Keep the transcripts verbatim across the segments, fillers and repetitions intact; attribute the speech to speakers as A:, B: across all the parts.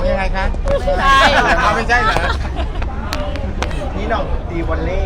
A: ยังไงคะ
B: ใช่
A: เอาไม่ใช่เหรอ
C: นี่น้องตีวอลเล่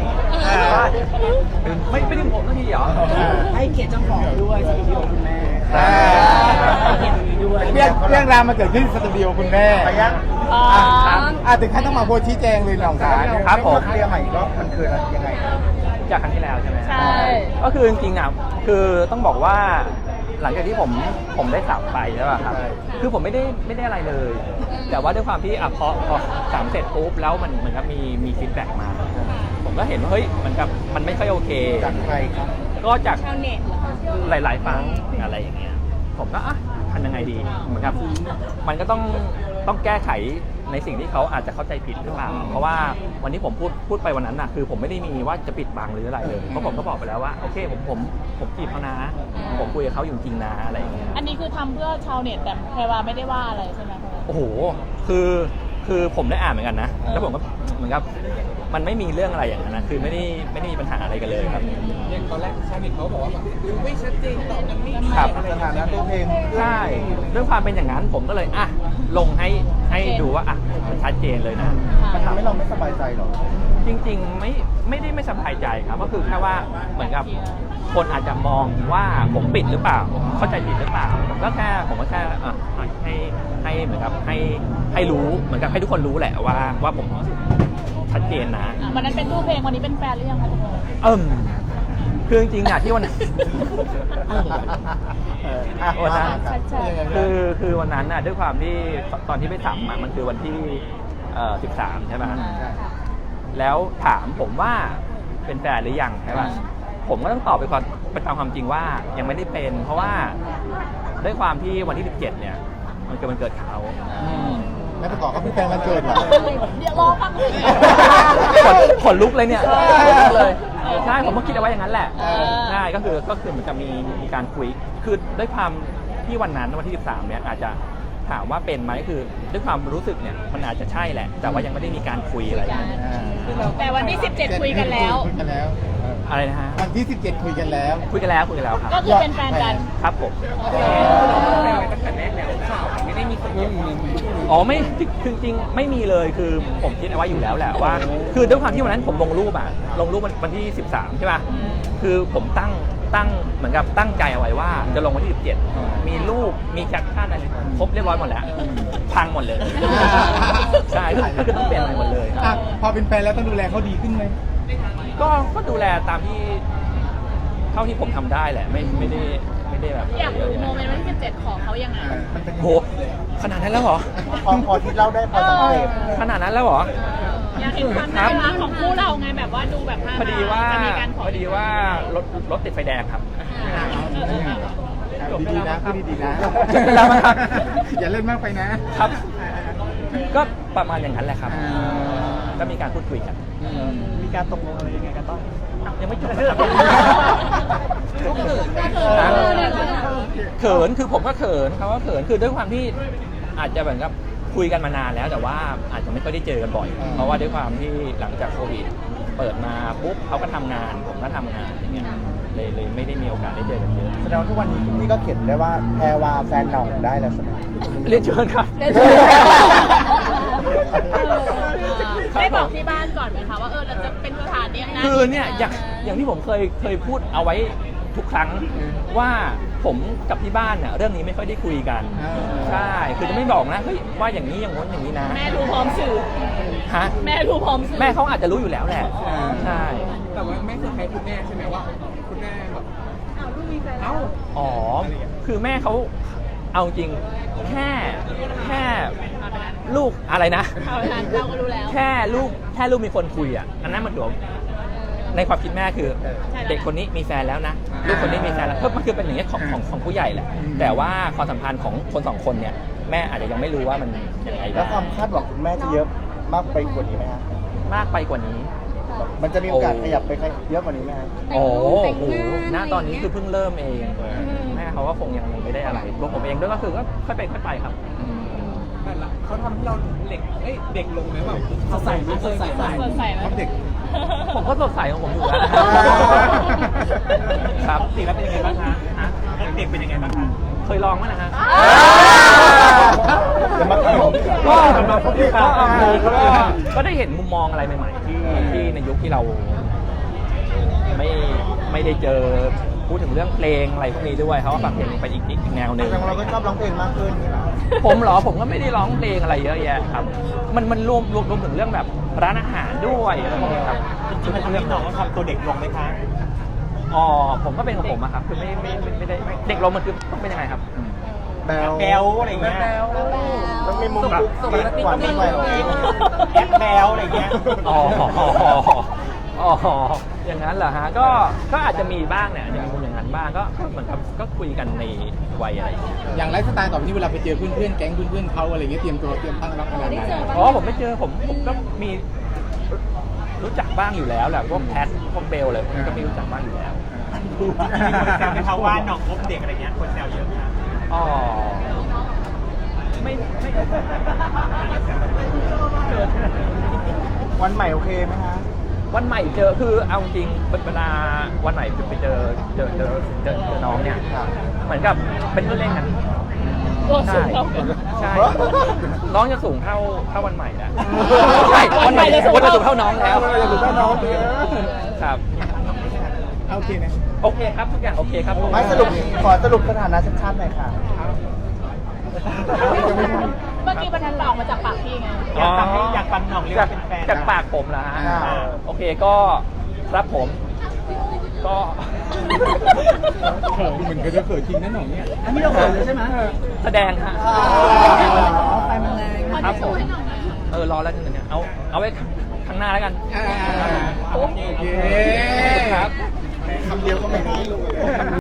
D: ไม่ไม่ได้ผมสักทีเหรอ
C: ให้เกียรติเจ้าของด้วยสตูดิโอคุณแม่
A: อ่า
C: ให้เกียรติตรงนี้ด้วย
A: เรื่องเรื่องราวมันเกิดขึ้นที่สตูดิโอคุณแม่
C: ไปยัง
B: อ๋อ
A: อ่ะถึงขั้นต้องมาโพสต์ชี้แจงเลยน้องสาว
D: ครับผม
C: เคลียร์ใหม่อีกรอบมันคืออะไรยังไง
D: จากครั้งที่แล้วใช่ไหม
B: ใช่
D: ก็คือจริงๆอ่ะคือต้องบอกว่าหลังจากที่ผมผมได้สับไปใช่ป่ะครับ
C: ใช่
D: คือผมไม่ได้ไม่ได้อะไรเลย แต่ว่าด้วยความที่อ่ะพอพอสามเสร็จปุ๊บแล้วมันเหมือนกับมีมีฟีดแบ็กมา ผมก็เห็นว่าเฮ้ยเหมือนกับมันไม่ค่อยโอเค
C: จากใครครับ
D: ก็จาก
B: ชาวเน็ตเหรอ
D: หลายๆฝั่งอะไรอย่างเงี้ย ผมก็อ่ะทำยังไงดีเหมือนกับมันก็ต้องต้องแก้ไขในสิ่งที่เขาอาจจะเข้าใจผิดหรือเปล่า เพราะว่าวันที่ผมพูดพูดไปวันนั้นน่ะคือผมไม่ได้มีว่าจะปิดบังหรืออะไรเลยเพราะผมก็บอกไปแล้วว่าโอเคผมผมผมจีบเขานะ ผมคุยกับเขาอยู่จริงนะอะไรอย่างเงี้ย
B: อันนี้คือทำเพื่อชาวเน็ตแต่แพรวาไม่ได้ว่าอะไรใช่ไหมคะ
D: โอ้โหคือคือผมได้อ่านเหมือนกันนะแล้วผมก็เหมือนกับมันไม่มีเรื่องอะไรอย่างนั้นนะคือไม่ได้ไม่ได้มีปัญหาอะไรกันเลยครับ
E: อย่างตอนแรกชาวเน็ตเขาบอกว่าแบบดูไม่ชัดเจนตอบกันไม่
D: ครับ
C: สถานะตัวเพลง
D: ใช่ด้วยความเป็นอย่างนั้นผมก็เลยอ่ะลงให้ให้ดูว่าอ่ะมันชัดเจนเลยนะ
C: มันทำให้เราไม่สบายใจหรอ
D: จริงๆไม่ไม่ได้ไม่สบายใจครับก็คือแค่ว่าเหมือนกับคนอาจจะมองว่าผมปิดหรือเปล่าเข้าใจผิดหรือเปล่าผมก็แค่ผมก็แค่อ่ะให้ให้เหมือนกับให้ให้รู้เหมือนกับให้ทุกคนรู้แหละว่าว่าผมชัดเจนนะ
B: อ่ะวันนั้นเป็นตู้เพลงวันนี้เป็นแฟนหรือยังคะทุกคน
D: เอิ่มคือจริงๆอ่ะที่วันนั้น
C: เอออ่ะ
D: วันนั้น
B: ชัด
D: คือคือวันนั้นน่ะด้วยความที่ตอนที่ไปสัมอ่ะมันคือวันที่เอ่อสิบสามใช่ไหม แล้วถามผมว่าเป็นแฟนหรือยังใช่ป่ะผมก็ต้องตอบไปความไปตามความจริงว่ายังไม่ได้เป็น เพราะว่าด้วยความที่วันที่สิบเจ็ดเนี่ยมันเกิดวันเกิดเขา
A: แล้วประกอบก็เป็นแฟนวันเกิดเหรอ
B: เดี๋ยวรอฟังเลย
D: ขนขนลุกเลยเนี่ยขนลุกเลยใช่ผมก็คิดเอาไว้อย่างนั้นแหละ
B: เออ
D: ใช่ก็คือก็คือเหมือนกับมีมีการคุยคือด้วยความที่วันนั้นวันที่สิบสามเนี่ยอาจจะถามว่าเป็นไหมคือด้วยความรู้สึกเนี่ยมันอาจจะใช่แหละ แต่ว่ายังไม่ได้มีการคุยอะไรกัน
B: แต่วันที่สิบเจ็ดคุยกันแล้ว
A: คุยกันแล้ว
D: อะไรนะฮะ
A: วันที่สิบเจ็ดคุยกันแล้ว
D: คุยกันแล้วคุยกันแล้วครับ
B: ก็คือเป็นแฟนกัน
D: ครับผม
B: โอเค
E: ตั้งแต่แรกแล้วข่าวไม่ได้มีคนรู้
D: อ๋อไม่คือจริงๆไม่มีเลยคือผมคิดเอาไว้อยู่แล้วแหละว่า คือด้วยความที่วันนั้นผมลงรูปอะลงรูปวันวันที่สิบสามใช่ป่ะคือผมตั้งตั้งเหมือนกับตั้งใจเอาไว้ว่าจะลงวันที่สิบเจ็ดมีรูปมีแคปชั่นอะไรครบเรียบร้อยหมดแล้วพังหมดเลยใช่คือก็คือต้องเปลี่ยนใหม่หมดเลย
A: อ่ะพอเป็นแฟนแล้วต้องดูแลเขาดีขึ้นไหม
D: ก็ก็ดูแลตามที่เท่าที่ผมทำได้แหละไม่ไม่ได้ไม่ได้แบบ
B: อยากดูโมเมนต์วันที่สิบเจ็ดของเขายังไง
C: มันเป็น
D: โหขนาดนั้นแล้วเหรอ
C: พอพอที่เล่าได้พอสังเกต
D: ขนาดนั้นแล้วเหรอ
B: อยากเห็นความน่ารักของคู่เราไงแบบว่าดูแบบน่ารัก
D: พอดีว่า
B: จะมีการข
D: พอดีว่ารถรถติดไฟแดงครับ
A: ดีๆนะพูดดีๆนะ
D: จบไปแล้วมั้งครับ
A: อย่าเล่นมากไปนะครับ
D: ก็ประมาณอย่างนั้นแหละครับ ก็มีการพูดคุยกัน
C: มีการตกลงอะไรยังไงกันบ้าง
D: ยังไม่จบนะครับเขินคือผมก็เขินเขาก็เขินคือด้วยความที่อาจจะเหมือนกับคุยกันมานานแล้วแต่ว่าอาจจะไม่ค่อยได้เจอกันบ่อย เพราะว่าด้วยความที่หลังจากโควิดเปิดมาปุ๊บเขาก็ทำงานผมก็ทำงานอย่างเงี้ยเลยเลยไม่ได้มีโอกาสได้เจอกันเยอะ
C: แสดงว่าทุกวันนี้พี่ก็เขียนได้ว่าแพรวาแฟนหน่องได้แล้วใช่ไหม
D: เรียนเชิญครับ
B: ได้บอกที่บ้านก่อนไหมคะว่าเออเราจะเป็นสถานเนี้ยนะ
D: คือเนี่ยอย่างอย่างที่ผมเคยเคยพูดเอาไว้ทุกครั้งว่าผมกับที่บ้านเนี่ยเรื่องนี้ไม่ค่อยได้คุยกันใช่คือจะไม่บอกนะเฮ้ยว่าอย่างนี้อย่างง้นอย่างนี้นะ
B: แม่รู้พร้อมสื่อ
D: ฮะ
B: แม่รู้พร้อมสื่อ
D: แม่เขาอาจจะรู้อยู่แล้วแหละใช่
E: แต่ว่าไม่เซอร์ไพรส์คุณแม่ใช่ไหมว่าคุณแม่แบบอ้าวลูกมีแฟนเอ้า
D: อ๋อคือแม่เขาเอาจริงแค่แค่ลูกอะไรนะ
B: เอาไปนั้นเราก็รู้แล้ว
D: แค่ลูกแค่ลูกมีคนคุยอ่ะอันนั้นมันถือว่าในความคิดแม่คือ
B: ใช่แล้ว
D: เด็กคนนี้มีแฟนแล้วนะลูกคนนี้มีแฟนแล้วเพิ่มมันคือเป็นอย่างนี้ยของของของผู้ใหญ่แหละแต่ว่าความสัมพันธ์ของคนสองคนเนี่ยแม่อาจจะยังไม่รู้ว่ามันยังไง
C: แล้ว
D: บ้าง
C: ความคาดหวังคุณแม่จะเยอะมากไปกว่านี้ไหมฮะ
D: มากไปกว่านี้
C: มันจะมีโอกาส
D: โอ้
C: ขยับไปเยอะกว่านี้ไหมฮะ
D: โอ้โหณตอนนี้คือเพิ่งเริ่มเองแม่เขาก็คงยังไม่ได้อะไรตัวผมเองด้วยก็คือก็ค่อยไปค่อยไปครับ
E: แต่ละเขาทำให้เราเด็กเอ้ยเด็กลงไหมแบบสดใสไหมสดใสไหม
B: สดใสไหม
A: ครับเด็ก
D: ผมก็สดใสของผมอยู่แล้วครับ
E: จริงแล้วเป็นยังไงบ้างคะฮะเด็กเป็นยังไงบ้างคะ
D: เคยลองไหมนะฮะ
C: เดี๋ยวมาขยม
D: ก็
A: มาพบพี่
D: ก็
A: ครับ
D: ก็ก็ได้เห็นมุมมองอะไรใหม่ๆที่ที่ในยุคที่เราไม่ไม่ได้เจอพูดถึงเรื่องเพลงอะไรพวกนี้ด้วยเขาก็ฟังเพลงไปอีกอีกแนวหนึ่ง
C: แต่เราก็ชอบร้องเพลงมากขึ้นนี่แหละ
D: ผมเหรอผมก็ไม่ได้ร้องเพลงอะไรเยอะแยะครับ มันมันรวมรวมรวมถึงเรื่องแบบร้านอาหารด้วยอะไรพวกนี้ครับ
E: จริงๆมันทำให้น้องทำตัวเด็กลงไหมคะ
D: อ๋อผมก็เป็นของผมอะครับคือไม่ไม่ไม่ไม่ได้เด็กลงมันคือต้องเป็นยังไงครับ
C: แบล
E: แบลอะไรเงี้ย
C: ต้องมีมุมกุ๊กกิ๊กหวานนิดหน่อย
E: แอปแบลอะไรเงี้ย
D: อ๋ออ๋ออย่างนั้นเหรอฮะก็ก็อาจจะมีบ้างเนี่ยอาจจะมีมุมอย่างนั้นบ้างก็ก็เหมือนกับก็คุยกันในวัยอะไรอย่างเงี้ย
A: อย่างไลฟ์สไตล์ต่อไปนี้เวลาไปเจอเพื่อนๆแก๊งเพื่อนๆเขาอะไรเงี้ยเตรียมตัวเตรียมตั้งรับขนาดไหน
D: อ๋อผมไม่เจอผมผมก็มีรู้จักบ้างอยู่แล้วแหละพวกแพทพวกเบลเลยผมก็มีรู้จักบ้างอยู่แล้ว
E: มีคนแซวไหมคะว่าน้องคบเด็กอะไรเงี้ยคนแซวเยอะค่ะ
D: อ๋อไม่ไม่
C: วันใหม่โอเคไหมคะ
D: วันใหม่เจอคือเอาจริงเวลาวันใหม่ไปเจอเจอเจอเจอเจอน้องเนี่ยเหมือนกับเป็นเพื่อนเล่นกัน
B: ตัวสู
D: ใช่
B: งเท่ากัน
D: ใช่น้องจะสูงเท่าเท่าวันใหม่แล้ว
B: ใช่วันใหม่จะสูง
D: วัน
B: เท่า
D: จะสูงเท่าน้องแล้ว
C: จะสูงเท่าน้องเลย
D: ครับ
A: โอเคนะ
D: โอเคครับทุกอย่างโอเคครับผม
C: ไม่สรุปขอสรุปสถานะชัดๆหน่อยค่ะ
B: เมื่อกี้มันออกมาจากปากพี่ไง
E: อยากฟังให้อยากฟังน้องเรียก
D: จาก
E: ว่าเป็นแฟน
D: จากปากผมเหรอฮะ
C: อ่า
D: โอเคก็รับผม ก็
A: เขินเหมือนกันจะเขินจริงนะหน่องเนี่ย
C: อันนี้เราเขินเลยใช่ไหม
D: แสดงฮะ
C: ไฟมันแรง
D: ครับผมเออรอแล้วกันเนี่ยเอาเอาไว้ข้างหน้าแล้วกัน
A: อ่าโอเค
D: ครับ
C: คำเดียวก็ไม่ได้เลย